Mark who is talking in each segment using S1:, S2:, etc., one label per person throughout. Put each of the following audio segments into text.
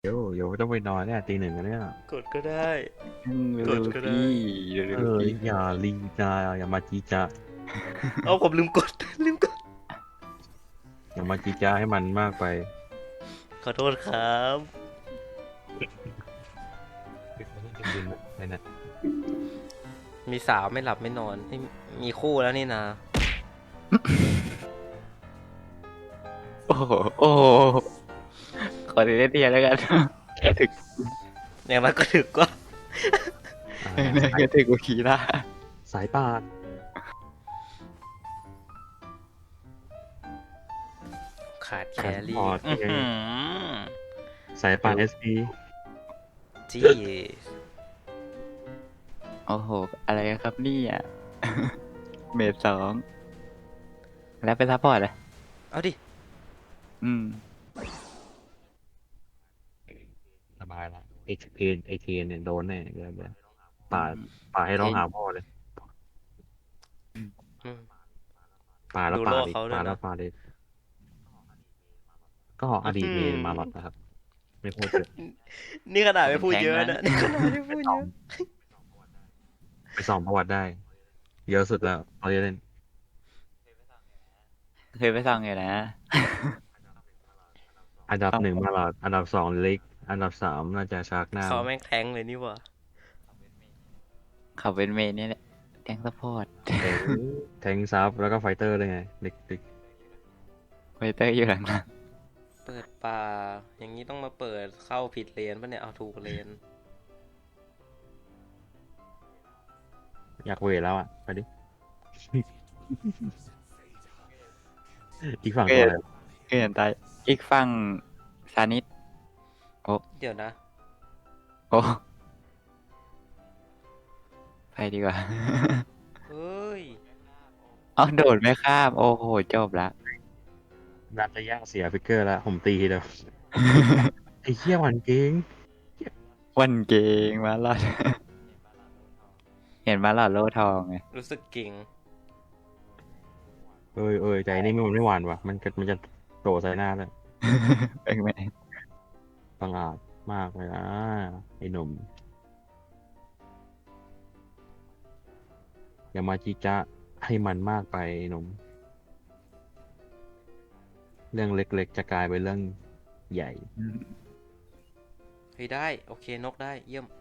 S1: เดี๋ยวต้องไปนอนเนี่ยตีหนึ่งแล้วเนี่ย
S2: กดก็ได้
S3: เร็
S2: กด
S3: ว
S2: ก็ได้
S3: ๆพี่เร็วๆพี่
S1: อย่าลีจาอย่ามาจีจา
S2: เอาผมลืมกดลืมกด
S1: อย่ามาจีจาให้มันมากไป
S2: ขอโทษครับ
S1: อะไรนะ
S2: มีสาวไม่หลับไม่นอนเอ้ยมีคู่แล้วนี่นะ
S3: โอ้โหโอ้โหขอเล่นเดียวแล้วกันถึก
S2: อย่างนั้นก็ถึกก็
S3: ก็ถึกกว่าคีร่า
S1: สายป่าน
S2: ขาดแครี่
S1: พอร์ต
S2: อื้อหือ
S1: สายป่านเอสพี
S2: จี
S3: โอ้โหอะไรกันครับนี่อ่ะ เมดสองแล้วเป็นซัพพอร์ตอ่ะ
S2: เอาดิ
S3: อืม
S1: สบายละไอเคนเนี่ยโดนแน่เดี๋ยวป่าให้ร้องหาพ่อเลย
S2: อืม
S1: ป่าแล้ว
S2: ดู
S1: ป่า
S2: โลก
S1: ดิ
S2: เขาด้วย
S1: ป่า
S2: นะ
S1: แล้วป่าดิก็อดีตเมนมาหลอดนะครับ ไม่พูดเยอะ
S2: นี่ขนาดไม่พูดเยอะนะนี่ขนาดไม่พูดเยอะ
S1: ไปส่องประวัติได้ เยอะสุดแล้วเราจะเล่น
S3: เคยไปส่องอยู่นะ
S1: อันดับหนึ่งมาหลอดอันดับสองเล็กอันดับสามน่าจะชาร์กหน้า
S2: เขาแม่งแทงเลยนี่หว่า
S3: เขาเป็นเมนนี่แหละแทงซัพพอร์ต
S1: แทงซับแล้วก็ไฟเตอร์เลยไงเด็ก
S3: ไวเตอร์อยู่หลัง
S2: เปิดป่าอย่างนี้ต้องมาเปิดเข้าผิดเลนปะเนี่ยเอาถูกเลน
S1: ๆอยากเวทแล้วอ่ะไปดิ อีกฝั่งตัวอะไร
S3: ๆเห็นตายอีกฝั่งซานิส
S2: เดี๋ยวนะ
S3: โอ้ไปดีกว่า
S2: เฮ้ย
S3: อ๋อโดดไม่ข้ามโอ้โหจบละ
S1: นัดจะย่างเสียฟิกเกอร์แล้วผมตีทีเดียว ไอ้เหี้ยหวันเก่ง
S3: วันเก่งมาหลอด เห็นมาหลอดโล่ทองไง
S2: รู้สึกเก่ง
S1: เอ้ยใจนี่มันไม่หวานว่ะมันจะโดดใส่หน้าเลย
S3: เป็นไง
S1: บังอาจมากเลยนะไอ้หนุ่มอย่ามาจีจ้าให้มันมากไปไอ้หนุ่มเรื่องเล็กๆจะกลายเป็นเรื่องใหญ่
S2: เฮ้ยได้ โอเคนกได้ เยี่ยม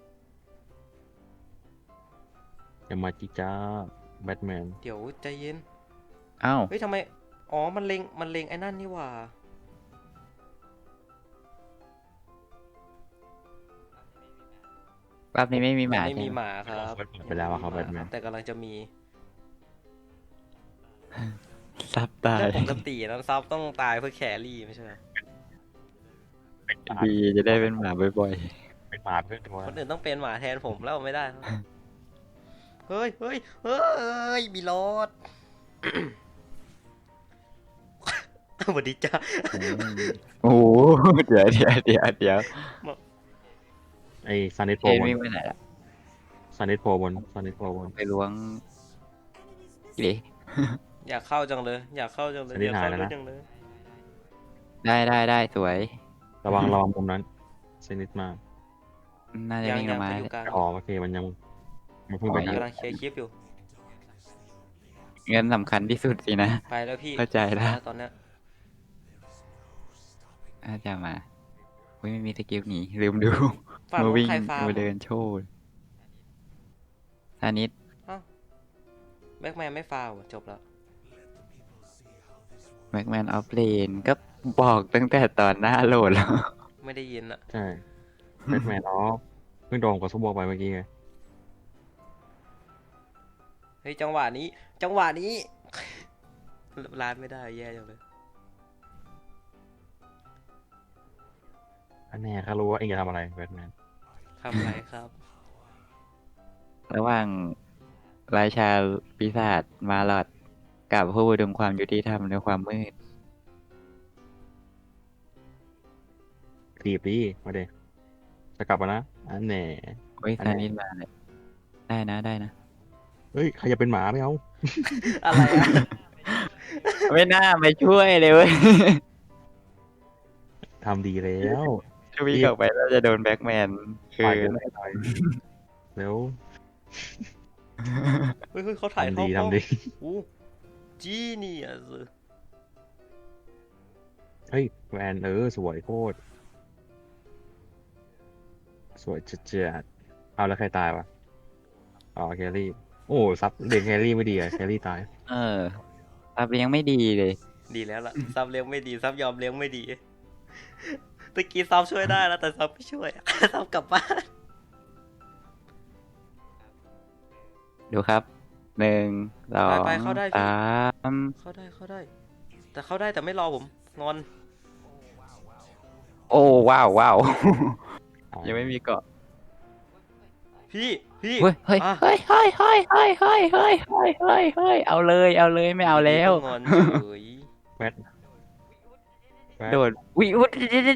S1: อย่ามาจีจ้าแบทแมน
S2: เดี๋ยวใจเย็น
S3: อ้าว
S2: เฮ้ยทำไม อ๋อ มันเล็งไอ้นั่นนี่หว่า
S3: รอบนี้ไม่มีหมา
S2: ไม่มี
S3: ใช่
S2: ห
S3: ไหม
S2: มาครับ
S1: ไปแล้วอะครับ
S2: ยังไม่มีห
S1: Batman
S2: แต่กำลังจะมี
S3: ซับตาย
S2: เรื่องปกตินะซับต้องตายเพื่อแครี่ไม่ใช่เหรอ
S3: ดีจะได้เป็นหมาบ่อย
S1: เป็นหมาเพื่อนตัว
S2: คนอื่นต้องเป็นหมาแทนผมแล้วไม่ได้ครับเฮ้ยเฮ้ยเฮ้ยมีรถ สวัสดีจ้า
S3: ๆ โอ้โหเดี๋ยว
S1: ไอ้ซันนิโพ
S3: เคน
S1: บน
S3: วิ่งไปไหนล่ะ
S1: ซันนิโพบนซันนิโพบน
S3: ไปล้วงดิ
S2: อยากเข้าจังเลย อยากเข้าจังเลย
S1: สันนิ
S2: อยา
S1: ษ
S2: ก
S1: ฐาน
S2: เข้า
S1: แล้ว
S2: ด้วย
S1: นะ
S2: จังเลย
S3: ได้สวย
S1: ระวังมุมนั้นเซนิดมาก
S3: น่าจะ
S2: ยัง
S3: วิ่งล
S2: ยัง
S3: งมา
S2: ไปอยู่กลาง
S1: อ๋อโอเคมันยังมันเพิ่งไป
S3: อ๋อ
S1: นะ
S2: กำลังเคลียร์คลิปอยู่
S3: เงินสำคัญที่สุดสินะ
S2: ไปแล้วพี่
S3: เข้าใจแล้ว
S2: ตอนเนี้ย
S3: น่าจะมาอุ้ยไม่มีสกิลหนีลืมดู
S2: ฝาก
S3: มา
S2: ลูก
S3: วิ่ง
S2: ใครฟาร์ม
S3: มาเดินโชว์ซานิส
S2: แบ็กแมนไม่ฟาวจบแล้ว
S3: แม็กแมนออฟเลนก็บอกตั้งแต่ตอนหน้าโหลดแล้ว
S2: ไม่ได้ยินอะ
S1: ใช่แบทแมนอ๋อเพิ่งโดนกับซุปเปอร์ไปเมื่อกี้ไง
S2: เฮ้ยจังหวะนี้ จังหวะนี้ ร้านไม่ได้แย่จังเลย
S1: อันแน่เขารู้ว่าเองจะทำอะไรแบทแมน
S2: ทำไรครับ
S3: ระหว่างราชาปีศาจมาลอดกับผู้ดึงความยุติธรรมในความมืด
S1: ถีบดิมาเดจะกลับมานะอันแน่
S3: เฮ้ยซานิสมาเลยได้นะ
S1: เฮ้ยใครจะเป็นหมาไม่เอา
S2: อะไรอะ
S3: ไม่น่ามาช่วยเลยเว้ย
S1: ทำดีแล้ว
S3: ถ้าวิ่งออกไปแล้วจะโดนแบ็กแมนคื
S1: ปล่
S3: อ
S1: อยกูไม่ปล่อยเร็ว
S2: เฮ้ยเขาถ่าย
S1: ทำ
S2: เข้า
S1: ดี
S2: ป้อม
S1: ทำดี
S2: อู้จีเนียส
S1: เฮ้ยแวนสวยโคตรสวยจัดๆเอาแล้วใครตายวะอ๋อแครี่โอ้ซับเด็กแครี่ไม่ดีอะแครี่ตาย
S3: ซับยังไม่ดีเลย
S2: ดีแล้วล่ะ ซับเลี้ยงไม่ดี ซับยอมเลี้ยงไม่ดีตะกี้ซับช่วยได้แล้วแต่ซับไม่ช่วย ซับกลับบ้าน
S3: ดูครับหนึ่งสอง
S2: ไปเข้าได้พี่
S3: สาม
S2: เข้าได้เข้าได้ แต่เข้าได้แต่ไม่รอผมงอน
S3: โอ้ว้าวว้าว ยังไม่มีเกาะ
S2: พี่พี่
S3: เฮ้ยเฮ้ย
S2: อ่ะ
S3: เฮ้ยเฮ้ยเฮ้ยเฮ้ยเฮ้ยเฮ้ยเฮ้ยเฮ้ยเฮ้ยเอาเลยเอาเลยไม่เอาแล้ว
S2: งอนเฉย
S1: แวดแวด
S3: โดดวิว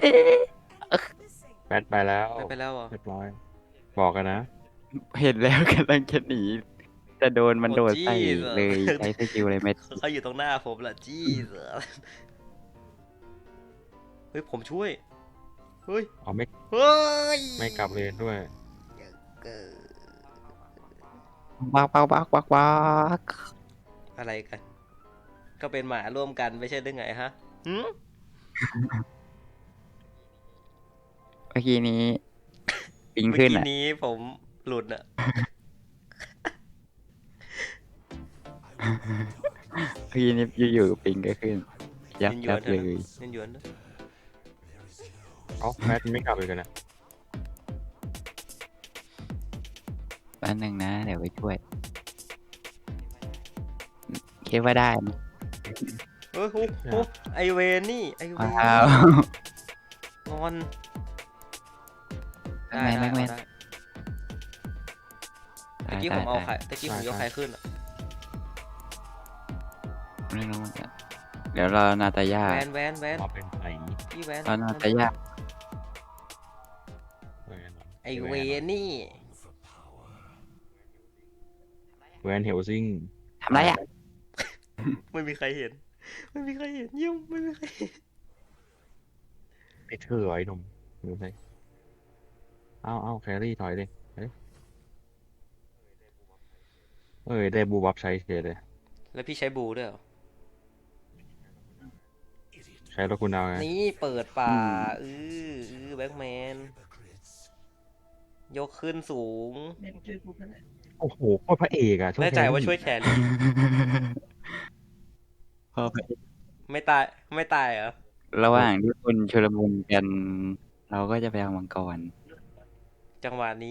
S1: แวดไปแล้ว
S2: ไปแล้วเหรอ
S1: เรียบร้อย บอกกันนะ
S3: เห็นแล้วกำลังจะหนีจะโดนมันโดดใส่
S2: โอ้ Jesus
S3: เลยใช้สกิลเลยไม่
S2: เขาอยู่ตรงหน้าผมละจี้เสือเฮ้ยผมช่วย เฮ้ย
S1: เอาไม่
S2: เฮ้ย
S1: ไม่กลับเลนด้วย
S2: เกิด
S3: วักวักวักวักวัก
S2: อะไรกัน ก็เป็นหมาร่วมกันไม่ใช่ได้ไงฮะหืม
S3: เมื่อกี้นี้ปิง
S2: เมื่อ
S3: ขึ้น
S2: กี้
S3: อ่ะ
S2: นี้ผมหลุดอะ
S3: เมื่อกี้นี้อยู่ๆปิงก็ขึ้น ยับ
S2: ยินหย
S3: ยั
S2: ว
S3: บ
S2: น
S3: เล
S2: นะ
S3: ย
S2: ยินหยวนนะ
S1: เอ้าแวดไม่กลับเลยกันนะ
S3: แป๊บนึงนะเดี๋ยวไปช่วยคิดว่าได้นะ
S2: เฮ้ยโอ้ไอเวนนี่ไอเวน
S3: ว้าว
S2: งอน
S3: แบ็คแมนแบ็คแมน
S2: ได้ตะกี้ผมเอาใครตะกี้ผมยกใครขึ้นอะ
S3: ไม่รู้เหมือนกันเดี๋ยวรอนาตาย่า
S2: แวนแวนแวน
S1: มาเป็นไผ่
S2: พี่แวน
S3: รอนาตาย่า
S2: ไอเวนนี่
S1: แวนเฮลซิง
S3: ทำไรอ่ะ
S2: ไม่มีใครเห็น ไม่มีใครเห็นยิ้มไม่มีใครเห็น
S1: ไอ้เธอไอ้หนุ่มดูสิเอาแครี่ถอยดิได้บูบับใช้เฉยเลย
S2: แล้วพี่ใช้บูด้วยเหรอ
S1: ใช้แล้วคุณเอาไง
S2: นี่เปิดป่าแบ็คแมน ยกขึ้นสูง
S1: โอ้โหโคตรพระเอกอะช่วย
S2: แน่ใจว่าช่วยแครี่
S3: พอไป
S2: ไม่ตายไม่ตายเหรอ
S3: ระหว่างที่คนชุลมุนกัน เราก็จะไปเอามังกร
S2: จังหวะนี้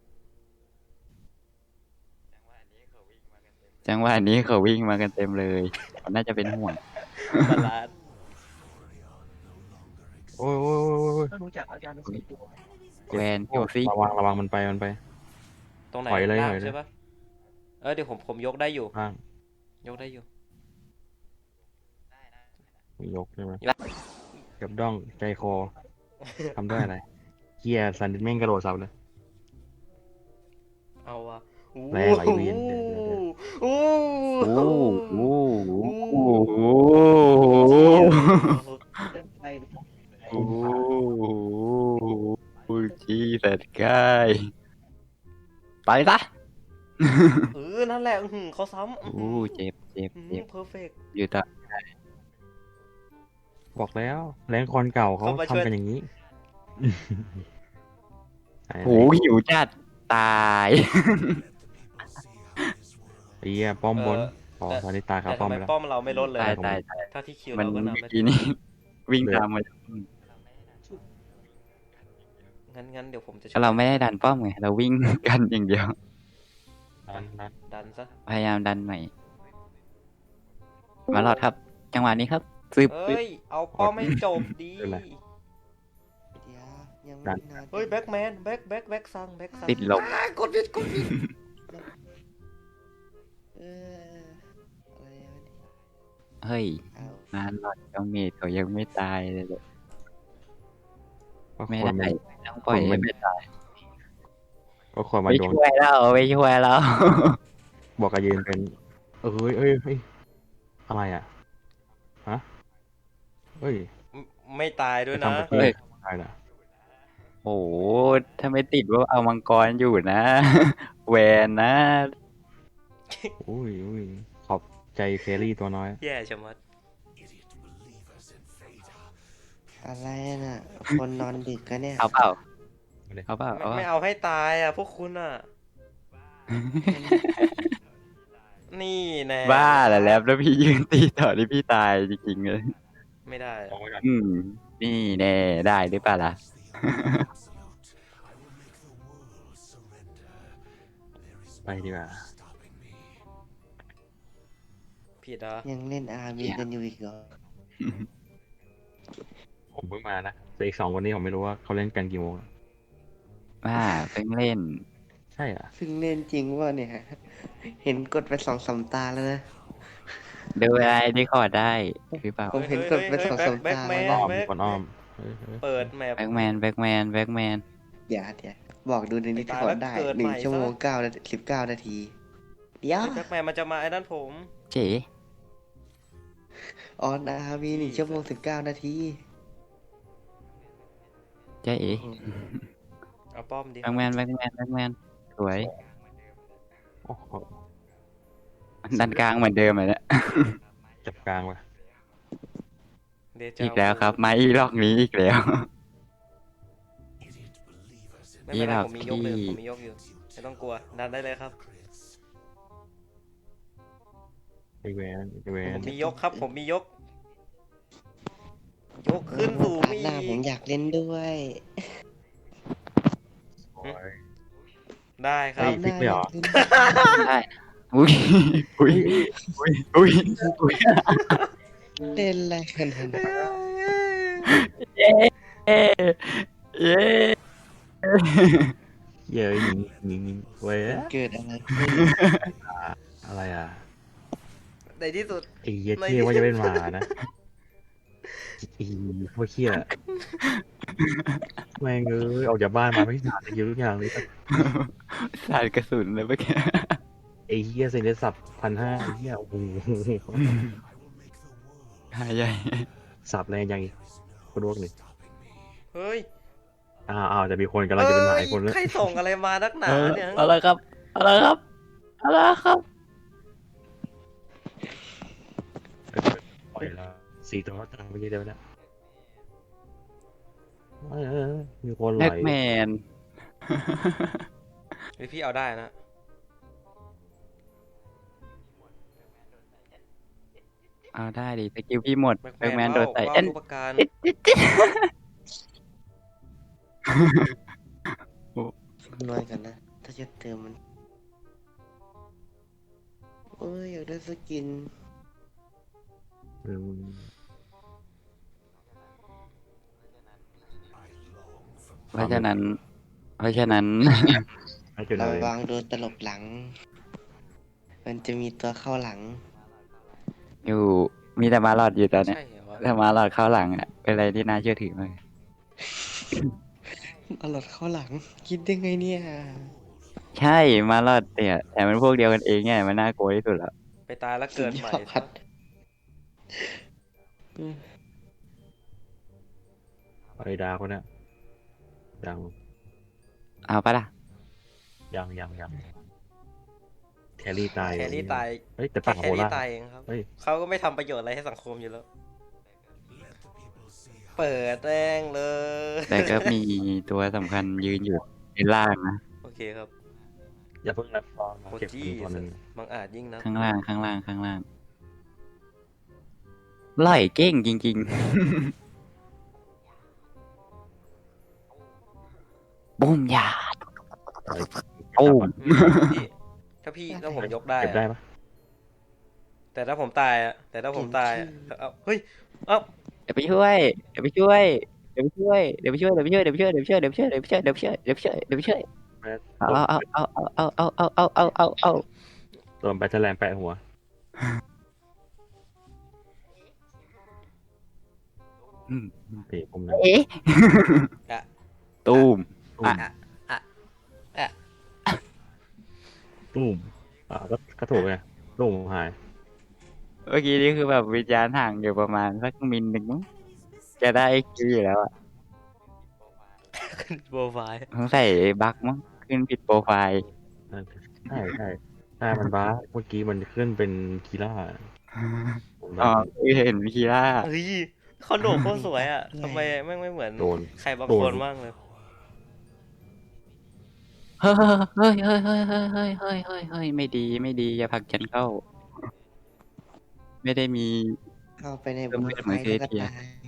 S3: จังหวะนี้เขาวิ่งมากันเต็มเลยเขาน่าจะเป็นห่วง
S2: บาลานซ์
S1: โอ้ย
S3: แวนเฮลซิง
S1: ระวังมันไป
S2: ตรงไหน
S1: ถอยเลย
S2: ล่าง
S1: ถอยเลย
S2: ใช่ปะเดี๋ยวผมยกได้อยู่
S1: ข้าง
S2: ยกได้อยู่
S1: ยกใช่ไหม
S2: ยก
S1: กับด้องใจคอทำได้อะไรเฮียซันดิแม่งกระโดดเสาเลย
S2: เอาอะ
S1: แร่ไหลเวียนเดี๋ยว
S2: โอ้
S3: โอ้โหโอ้โหโอ้โหจีสัตว์กายไปซะ
S2: นั่นแหละเขาซ้ำ
S3: โอ้เจ็บเจ็บเจ็บ
S2: เพอร์เฟก
S3: อยู่ต่อ
S1: บอกแล้วแรงคอนเก่าเขา
S2: เข้ามาช่วย
S1: ทำกันอย่างนี้
S3: โอ้หิวจัดตาย
S1: ไอ้เหี้ยป้อมบนอ๋อตอนนี้ตายครั
S2: แต่
S1: บป้อ
S2: ทำ
S1: ม
S2: ไม
S1: ไปแล้ว
S2: ป้อมเราไม่ลดเลย
S3: ตาย
S2: อะ
S3: ตายตาย
S2: ถ้าที่คิว
S3: มัน
S2: เราก็นำ
S3: เมื่อ
S2: ได้
S3: กี้นี้ วิ่งตามมา
S2: งั้นเดี๋ยวผมจะ
S3: เราไม่ได้ดันป้อมไงเราวิ่งกันอย่างเดียว
S1: นั้น
S2: ดันซะ
S3: พยายามดันใหม่ มาหลอดครับ จังหวะนี้ครับซึบ
S2: เฮ้ย เอาป้อมให้จบดี
S4: เดี๋ยวยังไม่นาน
S2: เฮ้ยแบ็คแมนแบ็คซัง
S3: ติดลม
S2: กดผิด
S4: เอออะไรวะเนี่ย
S3: เฮ้ย
S4: เอา
S3: นานหลอดเจ้าเมดเขายังไม่ตายเลย
S1: ก็
S3: ไม่
S1: คน
S3: ได้
S1: มัน
S3: ต้องปล่อยให้ไม่ตาย
S1: ก็คนมา
S3: ไม่
S1: โดน
S3: ช่วยแล้วไม่ช่วยแล้ว
S1: บอกกระยืนเป็นเฮ้ยอะไรอ่ะฮะเฮ้ย
S2: ไม่ตายด้วย
S1: จะ
S2: นะ
S1: ทำประเทศได้เหรอ
S3: โอ้โหถ้าไม่ติดว่าเอามังกรอยู่นะ แวนนะ
S1: อุ้ยขอบใจแครี่ตัวน้อย
S2: แย่ชะมัด
S4: อะไรน่ะ คนนอนดึกกันเนี่ย
S3: เอาเปล่า
S1: เอาเลย
S3: เอาเปล่า
S2: ไม่
S3: เอาเปล่า
S2: เอาให้ตายอ่ะ พวกคุณอ่ะ นี่แน่
S3: บ้าแหละแล้วพี่ยืนตีต่อที่พี่ตายจริงๆเลย
S2: ไม่ได้
S1: มองไว้ก่อน
S3: นี่แน่ได้หรือเปล่าล่ะ
S1: ไปดีกว่า
S2: ผิดเหรอ
S4: ยังเล่นอาร์มีกันอยู่อีกเหรอ
S1: ผมเพิ่งมานะแต่อีก2 วันนี้ผมไม่รู้ว่าเขาเล่นกันกี่โมง
S3: ว่าเพิ่งเล่น
S1: ใช่เหรอ
S4: เพิ่งเล่นจริงว่าเนี่ย เห็นกดไป2-3 ตาแล้วนะ
S3: ดูอะไรที่ขอได้หรือเปล่า
S4: ผมเห็นกดไป2-3 ตาแล้ว
S1: อ้
S4: นะ
S1: อมมีคนอ้อมเฮ้ย
S2: เปิดแมป
S3: แบ็กแมนแบ็กแมนแบ็กแมน
S4: เดี๋ยวบอกดูในนี้ที่
S2: ตาย
S4: ก
S2: แล้ว
S4: ดได้
S2: เกิดใหม่
S4: 1 ชั่วโมง
S2: ซะ
S4: 19 นาที เดี๋ยว
S2: แบ็คแมนมันจะมาไอ้นั่นผม
S3: เจ๋
S4: ออนอาร์มี1 ชั่วโมง 19 นาที
S3: เจ๋เอ๋
S2: เอาป้อมดิ
S3: แบ็กแมนแบ็กแมนแบ็กแมนสวย
S1: โอ้โห
S3: ดันกลางเหมือนเดิมเลยเนี่ย
S1: จับกลางว่ะ
S2: เดจา
S3: อีกแล้วครับไม้อีล็อกนี้อีกแล้ว
S2: ไม่เป็นไร
S3: อีหลับ
S2: ผมมียกเลย
S3: ที่
S2: ผมมียกอยู่ไม่ต้องกลัว ดันได้เลยครับ
S1: ไอแวนไอแว
S2: ผ
S1: น
S2: มมียกครับ ผมมียก ยกขึ้นสูง
S4: พาร์ทหน้าผมอยากเล่นด้วย
S1: โอ้ย
S2: ได้ค
S1: เฮ้
S2: รับ
S1: ย พลิกไม่เหรอ
S3: ได้อุ้ยอุ้ยอุ้ยอุ้ยอุ้ย
S4: เล่นอะไรกันนะ
S3: เย้เย้
S1: เย้ยยิงเว้ย
S4: เกิดอะไรขึ้น
S1: อะไรอ่ะ
S2: ในที่สุด
S1: ไอ้เหี้ยเที่ยว่าจะเป็นหมานะไอ้พวกเหี้ยแม่งเอ้ยออกจากบ้านมาไม่ผ่านเยอะทุกอย่างเลย
S3: สาดกระสุนเลยเมื่อกี้
S1: ไอ้เหี้ยเซ็นได้สับ1,500ไอ้เหี้ยโอ้โห
S3: หายใหญ่
S1: สับแรงยังอีกคนรวกหนึ่ง
S2: เฮ้ย
S1: อ้าวจะมีคนกำลังจะเป็นหมาอีกคนแล้ว
S2: ใครส่งอะไรมานักหนาเนี่ย
S3: อะไรครับอะไรครับอะไรครับ
S1: ปล่อยแล้ว4 ตัวตามไปเยอะเดียวนะมีคนไหล
S3: แบ็กแมน
S2: เฮ้ยพี่เอาได้นะ
S3: เอาได้ดิสกิลพี่หมด
S2: แบ็ค
S3: แบ็กแมน
S2: แมน
S3: โดนใส่
S2: ว่า
S3: เอ็น
S2: รูปการ
S4: น้อยกันนะ ถ้าจะเติมมันโอ้ยอยากได้สกิน
S1: อืม
S3: เพราะฉะนั้น
S1: ให้จุด
S4: ระ
S1: เลย
S4: วังโดนตลบหลัง มันจะมีตัวเข้าหลัง
S3: อยู่มีแต่มาหลอดอยู่ตอนเนี้ย
S2: ใช่เหรอวะ
S3: แต่มาหลอดเข้าหลังอ่ะเป็นอะไรที่น่าเชื่อถือมาก
S4: เอาหลอดเข้าหลัง คิดได้ไงเนี่ย
S3: ใช่มาหลอดเนี่ยแต่มันพวกเดียวกันเองไงมันน่ากลัวที่สุดแล้ว
S2: ไปตายแล้วเกิดใหม่
S4: สุดยอด
S1: ไอ้ดาคนเนี้ยยัง
S3: เอาปะล่ะ
S1: ยังแครี่ตาย
S2: แครี่ตาย
S1: เฮ้ยแต่
S2: แค่
S1: ปัก
S2: แค
S1: โห
S2: รี่
S1: ล่า
S2: ตายเองครับ
S1: เฮ้ย
S2: เขาก็ไม่ทำประโยชน์อะไรให้สังคมอยู่แล้ว เปิดแรงเลย
S3: แต่ก็มีตัวสำคัญยืนอยู่ในล่างนะ
S2: โอเคครับ
S1: อย่าเพิ่งรับฟอร์ม
S2: โค
S1: เก็บ
S2: จี้
S1: ตัวหนึ่ง
S2: บางอาจยิ่งนะ
S3: ข้างล่างข้างล่างข้างล่างไล่เก้งจริงๆบุ้มยาโอ้
S2: พี่ถ้าพี่ถ้าผมยกได้
S1: เก็บได้
S2: อะ
S1: ปะ
S2: แต่ถ้าผมตายอะแต่ถ้าผมตายอะเอาเฮ้ย เอ้า
S3: เดี๋ยวไปช่วยเดี๋ยวไปช่วยเดี๋ยวไปช่วยเดี๋ยวไปช่วยเดี๋ยวไปช่วยเดี๋ยวไปช่วยเดี๋ยวไปช่วยเดี๋ยวไปช่วยเดี๋ยวไปช่วยเดี๋ยวไปช่วยเดี๋ยวไปช่วยเดี๋ยวไปช่วย
S1: แม่
S3: เอา
S1: ตัวแบตเตอร์แลนแปะหัว
S3: อืม
S1: เตะผมนะ
S3: เอ๊ะ
S2: อะ
S3: ตูม
S1: ตุ้ม ตุ้มก็ถูกไงตุ้มหาย
S3: เมื่อกี้นี่คือแบบวิญญาณห่างอยู่ประมาณสักมิลหนึ่งมั้งจะได้คิวอยู่แล้วอ่ะ
S2: ขึ้นโปรไฟล์
S3: สงสัยบั๊กมั้งขึ้นผิดโปรไฟล์
S1: ใช่ใช่ใช่มันบ้าเมื่อกี้มันขึ้นเป็นคีล่าผมแบ
S3: อ๋อบ คือเห็นคีร่า
S2: เฮ้ยเขาโดดโคตรสวยอ่ะทำไมไม่เหมือน
S1: โดน
S2: ใครบาง
S1: โดน
S2: คนบ้างเลย
S3: เฮ้ยเฮ้ยเฮ้ยเฮ้ยเฮ้ยเฮ้ยเฮ้ยเฮ้ยเฮ้ยไม่ดีไม่ดีอย่าผลักฉันเข้า ไม่ได้มี
S4: เข้าไปใน
S3: เริ่
S4: บุ
S3: ม
S4: ก
S3: เป็น
S4: ไฟ
S3: เหมือน
S4: แล้วก็
S3: เทีย
S4: ตาย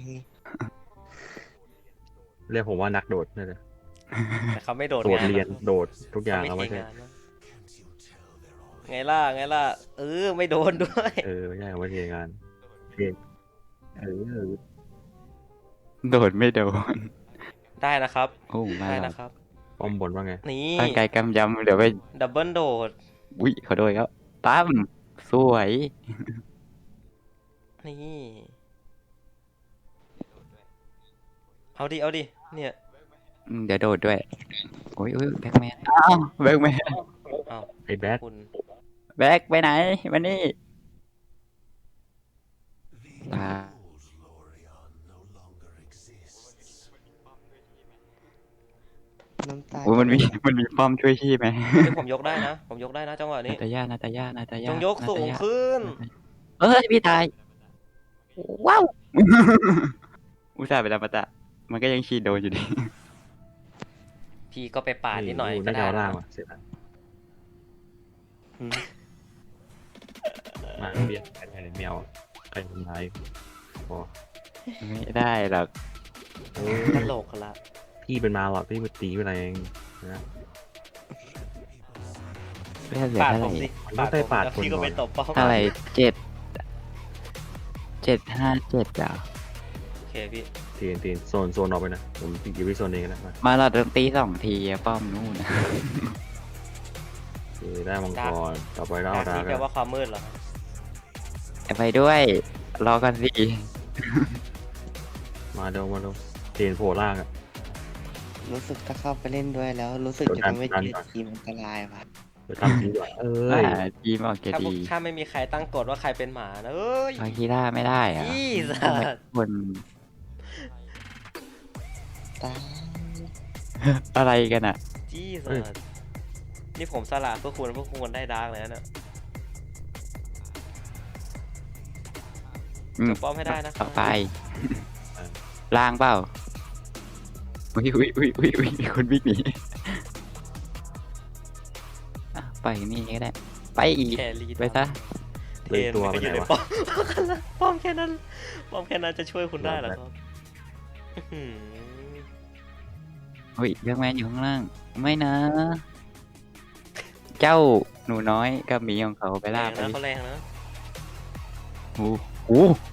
S1: เรียกผมว่านักโดดนั่นแหละ
S2: แต่เขาไม่โดด
S1: โดด
S2: งาน
S1: เรียน
S2: นะ
S1: โดดทุกอย่าง
S2: เขา
S1: เอา
S2: ไม่
S1: ไม่
S2: เท
S1: ใช่
S2: งานนะไงล่ะไงล่ะไม่โดนด้วย
S1: ไม่ใช่เอาไม่ใช่งานเรียนเออ
S3: โดดไม่โดน
S2: ได้นะครับ
S3: โอ้มา
S2: ได้
S3: แล้ว
S2: นะครับ
S1: ป้อมบนว่าไง
S2: นี่
S3: ร่างกายกำยำเดี๋ยวไป
S2: ดับเบิลโดด
S3: อุ้ยขอโทษครับตั้มสวย
S2: นี่ เอาดิเอาดิเนี่ย
S3: เดี๋ยวโดดด้วยโอ้ยโอ้ยแบ็กแมนอ้าวแบ็กแมน
S2: เอา
S1: ไอ้แบ็ค
S2: คุณ
S3: แบ็กไปไหนมานี่ตา
S4: น้ำตา
S3: โอ้ยมันมีป้อมช่วยชีพไหม
S2: เดี๋ยวผมยกได้นะ ผมยกได้นะจังหวะ
S3: นา
S2: นี้
S3: ตาย่านาตาย่านาตา
S2: จ
S3: ย่าง
S2: ยกสูงขึ้น
S3: เอ้ยพี่ตายว้าว อุตส่าห์ไปแล้วปะตะมันก็ยังชีดโดนอยู่ดี
S2: พี่ก็ไปปาดนิดหน่อยก็
S1: น่าจะ
S2: ได้
S1: เอา
S2: นะ
S1: ล่างว่ะเสร็จแล้ว
S2: อืม
S1: มาเบียดใครได้แมวใครทำร้ายพอ
S3: ไม่ได้หรอก
S1: เออ
S2: ตลกละ
S1: พี่เป็นมาหรอกพี่มาตีเป็นอะไรเองนะ
S3: เลือดเหลือ
S2: ปาด
S3: เท่า
S2: ผ
S3: ไหร่
S2: มสิ
S1: มันต้องได้ปาด
S2: แล้ว
S1: คน
S2: พี่ก็
S1: ก่อน
S2: ไปตบเป้า
S3: เท่าไหร่757อ่ะ
S2: โอเคพี่
S1: ตีนโซนออกไปนะผมอยู่ที่โซนเองนะมา
S3: มาเราต้องตี2 ทีอะป้อมนู่นนะ
S1: โอเคได้มังกรต่อไปก็เอา
S2: ดา
S1: ดา
S2: ร์กนี่แปลว่าความมืดเหรอ
S3: ไปด้วยรอกันสิ
S1: มาเร็วเตีนโผล่ล่างอ่ะ
S4: รู้สึกถ้าเข้าไปเล่นด้วยแล้ว รู้สึก
S1: กด
S4: จะ
S1: ดัน
S4: ทำให้
S1: กดดัน
S4: ทีม
S1: ก่อน
S4: ทีมอันตรายว่ะ
S1: ไปตั้งทีก่อน
S3: ว่าทีมออกจะ
S2: ถ้า
S3: ดี
S2: ถ้าไม่มีใครตั้งกฎว่าใครเป็นหมานะเอ้ย
S3: เอาคีร่าไม่ได้อะ
S2: ยี่สั
S3: ทำไม
S2: ส
S3: คน
S4: ตาย
S3: อะไรกันอ่ะ
S2: ยี่สัสนี่ผมสละเพื่อคุณได้ดาร์กเลยนะเนี่ย
S3: อืม
S2: จะป้อมให้ได้นะครับ
S3: ต่อไปล่างเปล่าอุ้ยมีคนวิ่งหนีอ่ะไปนี่ก็ได้ ไปอีก
S2: แครี่
S3: ไปซะ
S2: เท
S1: เลย
S2: น
S1: ตัว
S2: มัน
S1: ไป
S2: ก็อ
S1: ไหน
S2: ยู่ใน
S1: วะ
S2: ป้อมแค่นั้นป้อมแค่นั้นจะช่วยคุณได้เหรอครับอื้อหือ
S3: เฮ้ยแบ็กแมนอยู่ข้างล่าง ไม่นะ เจ้าหนูน้อยกับหมีของเขาไป
S2: แร
S3: ล่าง ไป
S2: นะเขาแรงนะ
S3: โอ้โห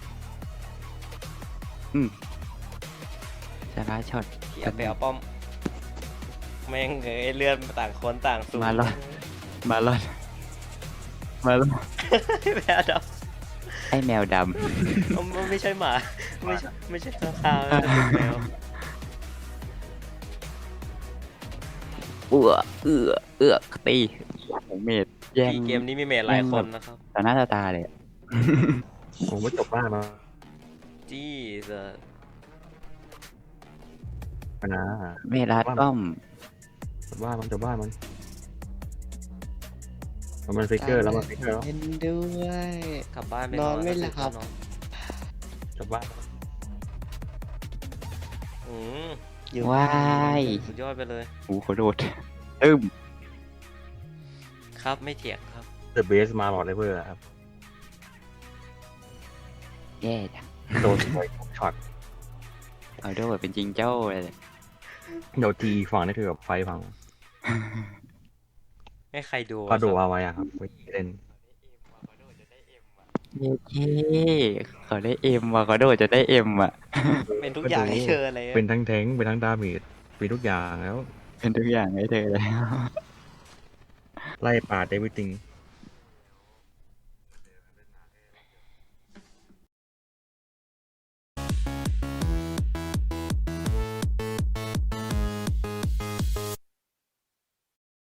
S3: สาระช็อต
S2: พี่เอาไปเอาป้อมแม่งเอ้ยเลื่อนต่างคนต่างสูง
S3: มาแล้ว มาลอดมาลอด
S2: แมวด
S3: ไอแมวด
S2: ำมันไม่ใช่หมาไม่ใช่ข้างคาวนะเป็นแมว
S3: ำเอือตีผมเมดแย่ง
S2: พี่เกมนี้มีเมทหลายคนนะครับ
S3: ต่อหน้าต่อตาเลยอะ
S1: ผมไม่จบบ้านมา
S2: จี้เซอร์
S1: นะ
S3: เมดรัดป้อม
S1: จบบ้านมันมันฟิกเกอร์แล้วมันฟิกเกอร์แล้ว
S4: เล่นด้วย
S2: กลับบ้านไป
S4: นอนไม่หลับ
S2: นอน
S1: จบบ้าน
S2: อืม
S4: อยู่
S3: ว้าย
S2: สุดยอดไปเลย
S3: โอ้โหโดดตึ้ม
S2: ครับไม่เถียงครับ
S1: เดอะเบสมาหลอดเลเวอร์ครับ
S3: แย่จัง
S1: โดนไปช็อต
S3: เอาโดดเป็นจริงเจ้าเลย
S1: โดนทีฝั่งนี่คือแบบไฟพัง
S2: ให้ใครดู
S1: ก็ดู
S2: ครับ
S1: เอาไว้อะครับไปเล่น
S3: เย้เขาได้เอ็มว่ะเขาโดดจะได้เอ็มอ่ะ
S2: เป็นทุกอย่างให้เธอเลย
S1: เป็นทั้งแทงค์เป็นทั้งดาเมจเป็นทุกอย่างแล้ว
S3: เป็นทุกอย่างให้เธอแล้ว
S1: ไล่ปาดได้วิติง